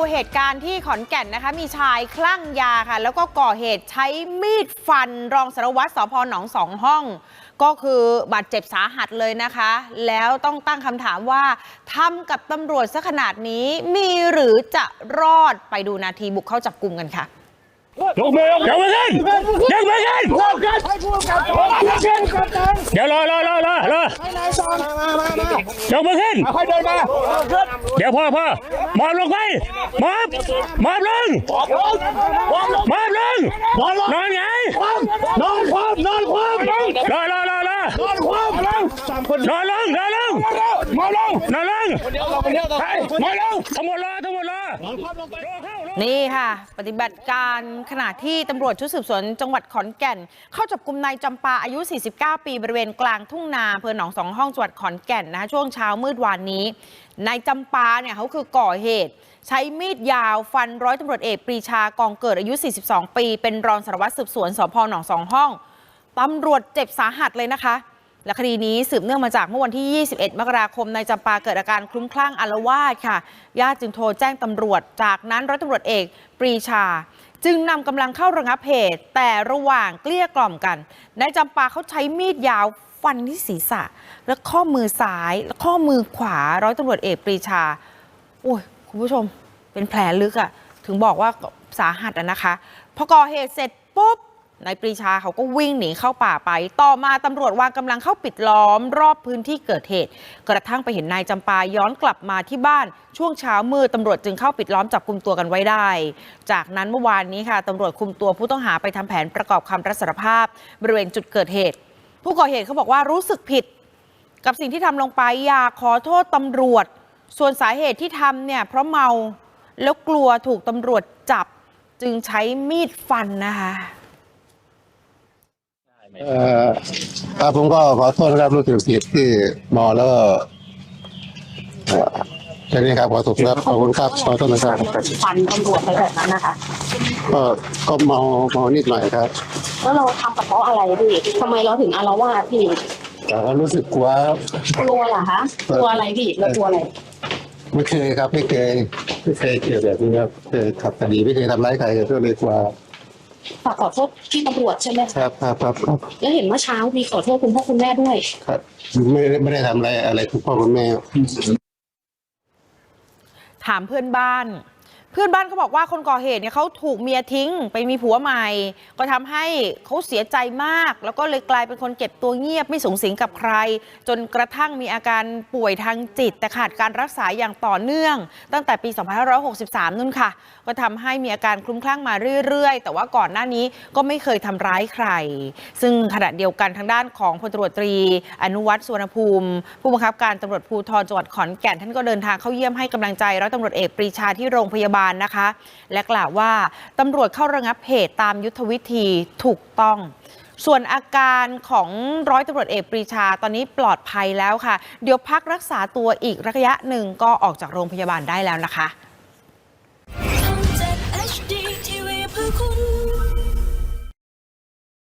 เหตุการณ์ที่ขอนแก่นนะคะมีชายคลั่งยาค่ะแล้วก็ก่อเหตุใช้มีดฟันรองสารวัตรสภ.หนองสองห้องก็คือบาดเจ็บสาหัสเลยนะคะแล้วต้องตั้งคำถามว่าทำกับตำรวจซะขนาดนี้มีหรือจะรอดไปดูนาทีบุกเข้าจับกุมกันค่ะยกมือขึ้นยกมือขึ้นเดี๋ยวรอยกมือขึ้นเดี๋ยวพ่อหมอบลงไปหมอบลงนอนไงนอนคว่ำรอทั้งหมดรอนี่ค่ะปฏิบัติการขณะที่ตำรวจชุดสืบสวนจังหวัดขอนแก่นเข้าจับกุมนายจำปาอายุ49ปีบริเวณกลางทุ่งนาอำเภอหนองสองห้องจังหวัดขอนแก่นนะคะช่วงเช้ามืดวานนี้นายจำปาเนี่ยเขาคือก่อเหตุใช้มีดยาวฟันร้อยตำรวจเอกปรีชากองเกิดอายุ42ปีเป็นรองสารวัตรสืบสวนสภ.หนองสองห้องตำรวจเจ็บสาหัสเลยนะคะและคดีนี้สืบเนื่องมาจากเมื่อวันที่21มกราคมนายจำปาเกิดอาการคลุ้มคลั่งอาละวาดค่ะญาติจึงโทรแจ้งตำรวจจากนั้นร้อยตำรวจเอกปรีชาจึงนำกำลังเข้าระงับเหตุแต่ระหว่างเกลี้ยกล่อมกันนายจำปาเขาใช้มีดยาวฟันที่ศีรษะและข้อมือซ้ายและข้อมือขวาร้อยตำรวจเอกปรีชาโอ้ยคุณผู้ชมเป็นแผลลึกอะถึงบอกว่าสาหัสนะคะพอก่อเหตุเสร็จปุ๊บนายปรีชาเขาก็วิ่งหนีเข้าป่าไปต่อมาตำรวจวางกำลังเข้าปิดล้อมรอบพื้นที่เกิดเหตุกระทั่งไปเห็นนายจำปาย้อนกลับมาที่บ้านช่วงเช้ามืดตำรวจจึงเข้าปิดล้อมจับกุมตัวกันไว้ได้จากนั้นเมื่อวานนี้ค่ะตำรวจคุมตัวผู้ต้องหาไปทำแผนประกอบคำรับสารภาพบริเวณจุดเกิดเหตุผู้ก่อเหตุเขาบอกว่ารู้สึกผิดกับสิ่งที่ทำลงไปอยากขอโทษตำรวจส่วนสาเหตุที่ทำเนี่ยเพราะเมาแล้วกลัวถูกตำรวจจับจึงใช้มีดฟันนะคะผมก็ขอโทษนะครับรู้สึกผิดที่เมาแล้วก็แค่นี้ครับขอโทษครับขอบคุณครับขอโทษนะครับฟันตำรวจไปแบบนั้นนะคะก็เมานิดหน่อยครับแล้วเราทำกับเขาอะไรพี่ทำไมเราถึงอาละวาดพี่แต่ก็รู้สึกกลัวเหรอคะกลัวอะไรพี่เรากลัวอะไรไม่เคยครับไม่เคยเกี่ยวแบบนี้ครับเคยขับคดีไม่เคยทำร้ายใครก็เลยกลัวฝากขอโทษที่ตำรวจใช่ไหมครับแล้วเห็นเมื่อเช้ามีขอโทษคุณพ่อคุณแม่ด้วยครับไม่ได้ทำอะไรคุณพ่อคุณแม่ถามเพื่อนบ้านเขาบอกว่าคนก่อเหตุเนี่ยเขาถูกเมียทิ้งไปมีผัวใหม่ก็ทำให้เขาเสียใจมากแล้วก็เลยกลายเป็นคนเก็บตัวเงียบไม่สุงสิงกับใครจนกระทั่งมีอาการป่วยทางจิตแต่ขาดการรักษาอย่างต่อเนื่องตั้งแต่ปี2563นู่นค่ะก็ทำให้มีอาการคลุ้มคลั่งมาเรื่อยๆแต่ว่าก่อนหน้านี้ก็ไม่เคยทำร้ายใครซึ่งขณะเดียวกันทางด้านของพลตำรวจตรีอนุวัฒน์ สุวรรณภูมิผู้บังคับการตำรวจภูธรจังหวัดขอนแก่นท่านก็เดินทางเข้าเยี่ยมให้กำลังใจร้อยตำรวจเอกปรีชาที่โรงพยาบาลนะคะและกล่าวว่าตำรวจเข้าระงับเหตุตามยุทธวิธีถูกต้องส่วนอาการของร้อยตำรวจเอกปรีชาตอนนี้ปลอดภัยแล้วค่ะเดี๋ยวพักรักษาตัวอีกระยะหนึ่งก็ออกจากโรงพยาบาลได้แล้วนะคะ